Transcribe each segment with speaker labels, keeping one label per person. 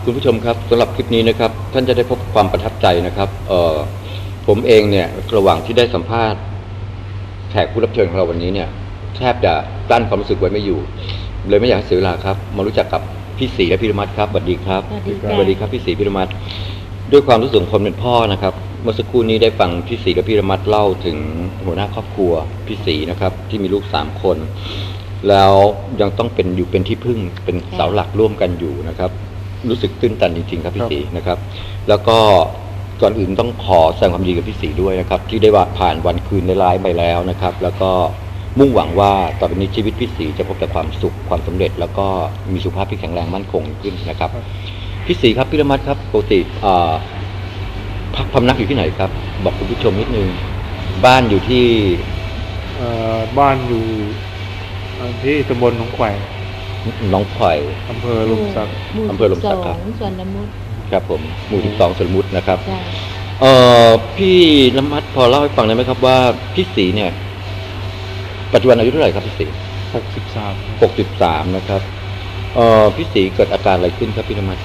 Speaker 1: คุณผู้ชมครับสำหรับคลิปนี้นะครับท่านจะได้พบความประทับใจนะครับผมเองเนี่ยระหว่างที่ได้สัมภาษณ์แขกผู้รับเชิญของเราวันนี้เนี่ยแทบจะกลั้นความรู้สึกไว้ไม่อยู่เลยไม่อยากให้เสียเวลาครับมารู้จักกับพี่ศรีและพี่ระมัดครับสวัสดีครับสวัสดีครับพี่ศรีพี่ระมัดด้วยความรู้สึกของคนเป็นพ่อนะครับเมื่อสักครู่นี้ได้ฟังพี่ศรีและพี่ระมัดเล่าถึงหัวหน้าครอบครัวพี่ศรีนะครับที่มีลูก3 คนแล้วยังต้องเป็นที่พึ่งเป็นเสาหลักร่วมกันอยู่นะครับรู้สึกตื้นตันจริงๆครับพี่ศรีนะครับแล้วก็ก่อนอื่นต้องขอแสดงความดีกับพี่ศรีด้วยนะครับที่ได้ผ่านวันคืนในร้ายไปแล้วนะครับแล้วก็มุ่งหวังว่าต่อไปนี้ชีวิตพี่ศรีจะพบแต่ความสุขความสำเร็จแล้วก็มีสุขภาพที่แข็งแรงมั่นคงขึ้นนะครับพี่ศรีครับพี่ระมัดครับปกติพักพำนักอยู่ที่ไหนครับบอกคุณผู้ชมนิดนึงบ้านอยู่ที่
Speaker 2: บ้านอยู่ที่ตำบลหนองไผ่อำเภอลมศักดิ์
Speaker 1: ครับ
Speaker 3: สวนละมุด
Speaker 1: ครับผมหมู่12สวนละมุดนะครับพี่ระมัดพอเล่าให้ฟังได้ไหมครับว่าพี่ศรีเนี่ยปัจจุบันอายุเท่าไหร่ครับพี่ศรี63นะครับพี่ศรีเกิดอาการอะไรขึ้นครับพี่ระมัด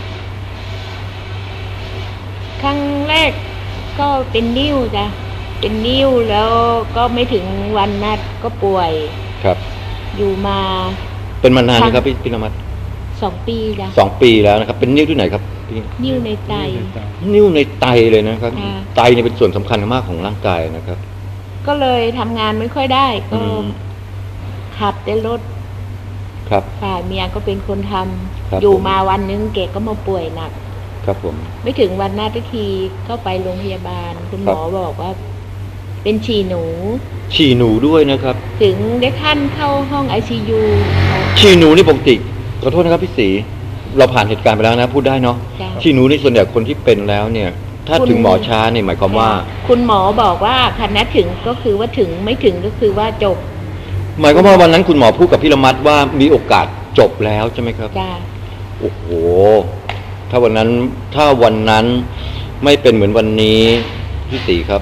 Speaker 3: ครั้งแรกก็เป็นนิ้วจ้ะเป็นนิ้วแล้วก็ไม่ถึงวันนัดก็ป่วย
Speaker 1: ครับ
Speaker 3: อยู่มา
Speaker 1: เป็นมานานไหมครับพี่ระมัด
Speaker 3: 2 ปีจ้ะ
Speaker 1: 2 ปีแล้วนะครับเป็นนิ้วที่ไหนครับพี่
Speaker 3: นิ้วในไต
Speaker 1: นิ้วในไตเลยนะครับไตเนี่ยเป็นส่วนสำคัญมากของร่างกายนะครับ
Speaker 3: ก็เลยทำงานไม่ค่อยได้ก็ขับแต่รถ
Speaker 1: ครับ
Speaker 3: ฝ่ายเมียก็เป็นคนทำอยู่มาวันนึงแกก็มาป่วยหนัก
Speaker 1: ครับผม
Speaker 3: ไม่ถึงวันนัดทีก็ไปโรงพยาบาลคุณหมอบอกว่าเป็นฉี่หนู
Speaker 1: ด้วยนะครับ
Speaker 3: ถึงได้ขั้นเข้าห้อง ICU
Speaker 1: ฉี่หนูนี่ปกติขอโทษนะครับพี่ศรีเราผ่านเหตุการณ์ไปแล้วนะพูดได้เนาะฉี่หนูนี่ส่วนใหญ่คนที่เป็นแล้วเนี่ยถ้าถึงหมอช้าเนี่ยหมายความว่า
Speaker 3: คุณหมอบอกว่าคันนัดถึงก็คือว่าถึงไม่ถึงก็คือว่าจบ
Speaker 1: หมายความว่าวันนั้นคุณหมอพูดกับพี่ระมัดว่ามีโอกาสจบแล้วใช่ไหมครับ
Speaker 3: จ้า
Speaker 1: โอ้โหถ้าวันนั้นไม่เป็นเหมือนวันนี้พี่ศรีครับ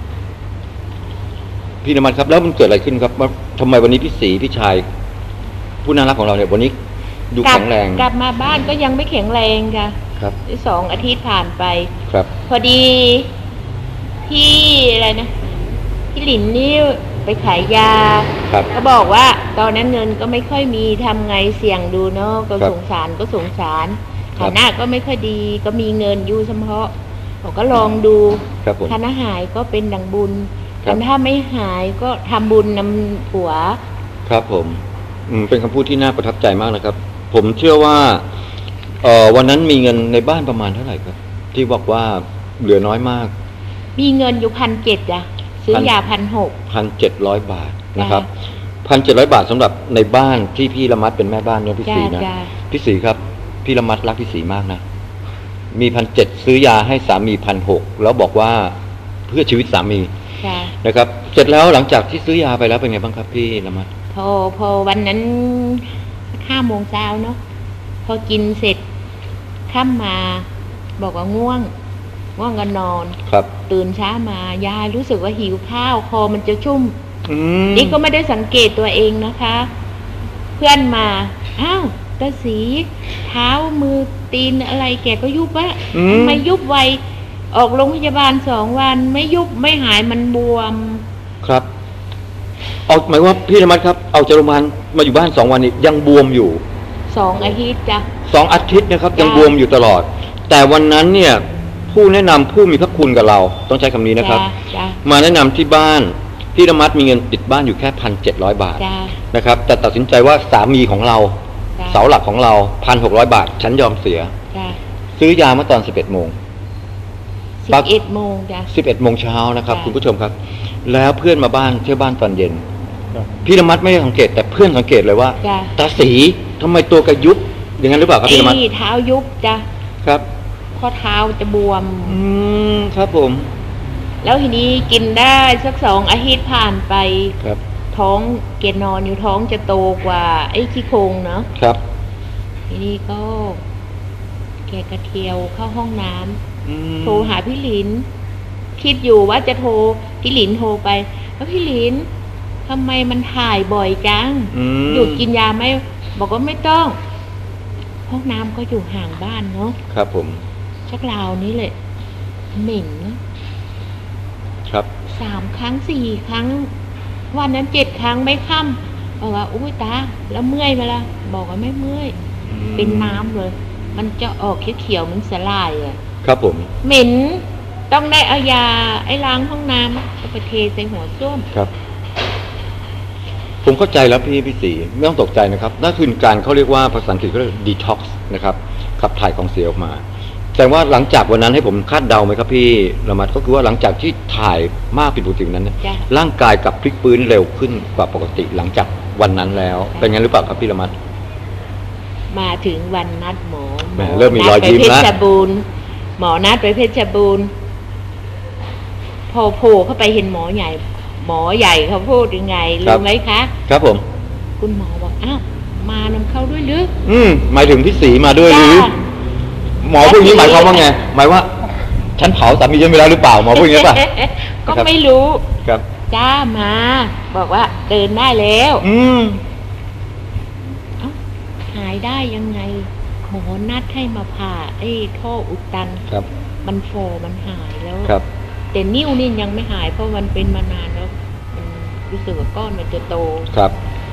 Speaker 1: พี่ระมัดครับแล้วมันเกิดอะไรขึ้นครับทำไมวันนี้พี่ศรีพี่ชายผู้น่ารักของเราเนี่ยวันนี้ดูแข็งแรง
Speaker 3: กลับมาบ้านก็ยังไม่แข็งแรงค่ะ
Speaker 1: ครับ
Speaker 3: 2 อาทิตย์ผ่านไป
Speaker 1: ครับ
Speaker 3: พอดีพี่อะไรนะพี่หลินนี่ไปขายยาก็บอกว่าตอนนั้นเงินก็ไม่ค่อยมีทำไงเสี่ยงดูเนาะก็สงสารฐานะก็ไม่ค่อยดีก็มีเงินอยู่เฉพาะผมก็ลองดูถ้าหายก็เป็นดังบุญแต่ถ้าไม่หายก็ทำบุญนำผัว
Speaker 1: ครับผมเป็นคำพูดที่น่าประทับใจมากนะครับผมเชื่อว่าวันนั้นมีเงินในบ้านประมาณเท่าไหร่ครับที่บอกว่าเหลือน้อยมาก
Speaker 3: มีเงินอยู่1,700จ้ะซื้อยา
Speaker 1: 1,700 บาทนะครับ1,700 บาทสำหรับในบ้านที่พี่ระมัดเป็นแม่บ้านเนี่ยพี่ศรีนะพี่ศรีครับพี่ระมัดรักพี่ศรีมากนะมี1,700ซื้อยาให้สามี1,600แล้วบอกว่าเพื่อชีวิตสามีนะครับเสร็จแล้วหลังจากที่ซื้อยาไปแล้วเป็นไงบ้างครับพี่ระมัด
Speaker 3: พอวันนั้น5 โมงเช้าเนาะพอกินเสร็จค่ำมาบอกว่าง่วงก็นอน
Speaker 1: ครับ
Speaker 3: ตื่นเช้ามายายรู้สึกว่าหิวข้าวคอมันจะชุ่มนี่ก็ไม่ได้สังเกตตัวเองนะคะเพื่อนมาอ้าวตาศรีเท้ามือตีนอะไรแกก็ยุบวะทำไมยุบไวออกโรงพยาบาล2 วันไม่ยุบไม่หายมันบวม
Speaker 1: ครับเอาหมายว่าพี่ระมัดครับเอาจากโรงพยาบาลมาอยู่บ้าน2 วันนี้ยังบวมอยู่
Speaker 3: 2 อาทิตย์จ้ะ
Speaker 1: 2 อาทิตย์นะครับยังบวมอยู่ตลอดแต่วันนั้นเนี่ยผู้แนะนำผู้มีพระคุณกับเราต้องใช้คำนี้นะครับมาแนะนำที่บ้านพี่ระมัดมีเงินติดบ้านอยู่แค่1,700 บาทนะครับแต่ตัดสินใจว่าสามีของเราเสาหลักของเรา1,600 บาทฉันยอมเสียซื้อยาเมื่อตอน11 โมง
Speaker 3: 11 โมงจ้ะ
Speaker 1: 11 โมงเช้านะครับคุณผู้ชมครับแล้วเพื่อนมาบ้านเที่ยวบ้านตอนเย็นพี่ระมัดไม่ได้สังเกตแต่เพื่อนสังเกตเลยว่าตาศรีทำไมตัวกระยุบอย่างนั้นหรือเปล่าครับพี่ระมัด
Speaker 3: เท้ายุบจ้ะ
Speaker 1: ครับ
Speaker 3: ข้อเท้าจะบวม
Speaker 1: ครับผม
Speaker 3: แล้วทีนี้กินได้สัก2 อาทิตย์ผ่านไป
Speaker 1: ครับ
Speaker 3: ท้องเกนอนอยู่ท้องจะโตกว่าไอ้ขี้โครงเนาะ
Speaker 1: ครับ
Speaker 3: ทีนี้ก็แกกระเทียวเข้าห้องน้ำโทรหาพี่หลินคิดอยู่ว่าจะโทรพี่หลินโทรไปแล้วพี่หลินทำไมมันถ่ายบ่อยจังหยุดกินยาไหมบอกว่าไม่ต้อง พห้องน้ำก็อยู่ห่างบ้านเนาะ
Speaker 1: ครับผม
Speaker 3: ชักราวนี้เลยเหม็นนะครับ 3 ครั้ง 4 ครั้ง วันนั้น 7 ครั้งไม่ค่ำบอกว่าอุ้ยตาแล้วเมื่อยไหมล่ะบอกว่าไม่เมื่อยเป็นน้ำเลย มันจะออกเขียวๆเหมือนสลายอ่ะ
Speaker 1: ครับผม
Speaker 3: เหม็นต้องได้เอายาไอ้ล้างห้องน้ำเอาไปเทใส่หัวส้วม
Speaker 1: ครับ ผมเข้าใจแล้วพี่ศรีไม่ต้องตกใจนะครับนั่นคือการเขาเรียกว่าภาษาอังกฤษเขาเรียก detox นะครับขับถ่ายของเสียออกมาแต่ว่าหลังจากวันนั้นให้ผมคาดเดาไหมครับพี่ละมัดก็คือว่าหลังจากที่ถ่ายมากผิดปกตินั้นเนี่ย
Speaker 3: จ้ะ
Speaker 1: ร่างกายกลับพลิกฟื้นเร็วขึ้นกว่าปกติหลังจากวันนั้นแล้วเป็นงั้นหรือเปล่าครับพี่ละมัด
Speaker 3: มาถึงวันนัดหมอ
Speaker 1: แหมเริ่มมีรอยยิ้ม
Speaker 3: นัดไป
Speaker 1: แล้ว
Speaker 3: เพชรบูรณ์หมอนัดไปเพชรบูรณ์พอโผล่เข้าไปเห็นหมอใหญ่เขาพูดยังไงรู้ไหมคะ
Speaker 1: ครับผม
Speaker 3: คุณหมอบอกอ้าวมานำเข้าด้วยหรือ
Speaker 1: หมายถึงพี่ศรีมาด้วยหรือ
Speaker 3: จ้า
Speaker 1: หมอพูดอย่างนี้หมายความว่าไงหมายว่าฉันเผาสามีฉันไปแล้วหรือเปล่าหมอพูดอย่างนี้ป่ะ
Speaker 3: ก็ไม่รู้
Speaker 1: ครับ
Speaker 3: จ้ามา บอกว่าเดินได้แล้ว เอ้าหายได้ยังไงหมอนัดให้มาผ่าไอ้ท่ออุดตัน
Speaker 1: ครับ
Speaker 3: มันฟอมันหายแล้ว
Speaker 1: ครับ
Speaker 3: แต่นิ้วนี่ยังไม่หายเพราะมันเป็นมานานแล้วมันรู้สึกว่าก้อนมันจะโต
Speaker 1: ครับ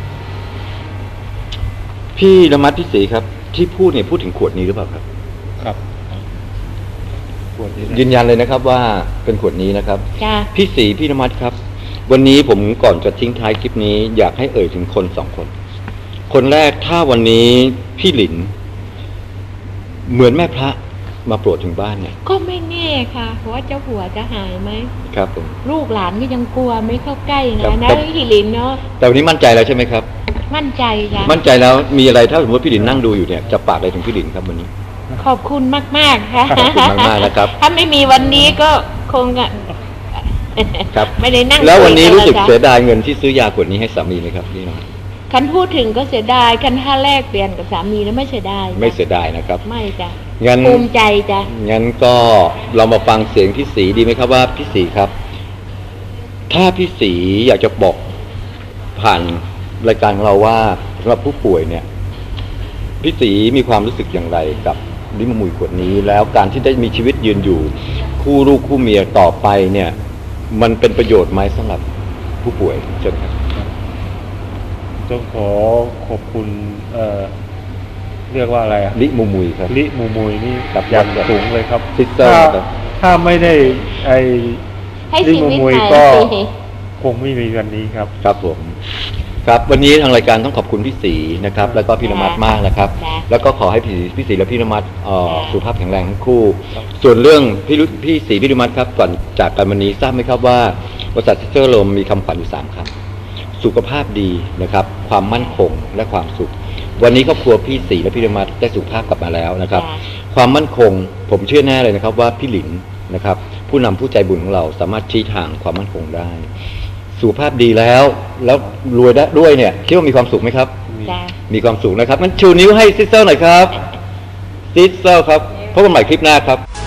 Speaker 1: พี่ละมัดพี่ศรีครับ ที่พูดเนี่ยพูดถึงขวดนี้หรือเปล่าครับ
Speaker 2: ครับขวดนี้
Speaker 1: ยืนยันเลยนะครับว่าเป็นขวดนี้นะครับ
Speaker 3: จ้า
Speaker 1: พี่ศรีพี่นมัดครับ วันนี้ผมก่อนจะทิ้งท้ายคลิปนี้ อยากให้เอ่ยถึงคนสองคน คนแรกถ้าวันนี้พี่หลิน เหมือนแม่พระมาโปรดถึงบ้านเนี่ย
Speaker 3: ก็ไม่แน่ค่ะว่าเจ้าหัวจะหายไหม
Speaker 1: ครับผม
Speaker 3: ลูกหลานก็ยังกลัวไม่เข้าใกล้
Speaker 1: ครั
Speaker 3: นะ
Speaker 1: บ
Speaker 3: นะครับ ฮิลินเนาะ
Speaker 1: แต่วันนี้มั่นใจแล้วใช่ไหมครับ
Speaker 3: มั่นใจจ้ะ
Speaker 1: มั่นใจแล้วมีอะไรถ้าสมมติพี่หลินนั่งดูอยู่เนี่ยจะฝากอะไรถึงพี่หลินครับวันนี้
Speaker 3: ขอบคุณมากๆค่ะ
Speaker 1: ขอบคุณมากๆนะครับ
Speaker 3: ถ้าไม่มีวันนี้ก็คงอะ
Speaker 1: ครับ
Speaker 3: ไม่ได้นั่ง
Speaker 1: แล้ววันนี้
Speaker 3: คุยกั
Speaker 1: รู้สึก
Speaker 3: แล้ว
Speaker 1: เสี
Speaker 3: จ้ะ
Speaker 1: ยดายเงินที่ซื้อยาขวดนี้ให้สามีไหมครับพี่น้อง
Speaker 3: คันพูดถึงก็เสียดายคันถ้าแลกเปลี่ยนกับสามีแล้วไม่เสียดายจ้ะ
Speaker 1: ไม่เสียดายนะครับ
Speaker 3: ไม่จ้ะ
Speaker 1: งั้น
Speaker 3: ภูมิใจจ้ะ
Speaker 1: งั้นก็เรามาฟังเสียงพี่ศรีดีไหมครับว่าพี่ศรีครับ ถ้าพี่ศรีอยากจะบอกผ่านรายการของเราว่าสำหรับผู้ป่วยเนี่ยพี่ศรีมีความรู้สึกอย่างไรกับลิมมุยขวดนี้ แล้วการที่ได้มีชีวิตยืนอยู่ คู่ลูกคู่เมียต่อไปเนี่ย มันเป็นประโยชน์ไหมสำหรับผู้ป่วยเชิญครับ
Speaker 2: ต้องขอขอบคุณเรียกว่าอะไรอะ
Speaker 1: ลิมูมุยครับ
Speaker 2: ลิมูมุยนี่
Speaker 1: ครับ
Speaker 2: อย่างสูงเลยครับ
Speaker 1: ซิสเตอร์ครับ
Speaker 2: ถ้าไม่ได้ไอ้
Speaker 3: ให้
Speaker 2: ลิ
Speaker 3: ชี
Speaker 2: มู
Speaker 3: วิต
Speaker 2: มุย
Speaker 3: หาย
Speaker 2: ก็
Speaker 3: สิ
Speaker 2: คงไม่มีวันนี้ครับ
Speaker 1: ครับผม ครับวันนี้ทางรายการต้องขอบคุณพี่ศรีนะครับ แล้วก็พี่นมัดมากนะครับ
Speaker 3: จ้ะ
Speaker 1: แล้วก็ขอให้พี่ศรีและพี่นมัด
Speaker 3: จ้ะ
Speaker 1: สุขภาพแข็งแรงทั้งคู่ ส่วนเรื่องพี่ศรีพี่นมัดครับก่อนจากกันวันนี้ทราบไหมครับว่าบริษัทซิสเตอร์ลมมีคำขวัญอยู่3คำสุขภาพดีนะครับ ความมั่นคงและความสุข วันนี้ครอบครัวพี่ศรีและพี่นมัดได้สุขภาพกลับมาแล้วนะครับ
Speaker 3: จ้ะ
Speaker 1: ความมั่นคงผมเชื่อแน่เลยนะครับว่าพี่หลินนะครับ ผู้นำผู้ใจบุญของเราสามารถชี้ทางความมั่นคงได้ สุขภาพดีแล้วรวยได้ด้วยเนี่ยคิดว่ามีความสุขไหมครับ
Speaker 3: จ้ะ
Speaker 1: มีความสุขนะครับงั้นชูนิ้วให้ซิสเตอร์หน่อยครับซิสเตอร์ครับพบกันใหม่คลิปหน้าครับ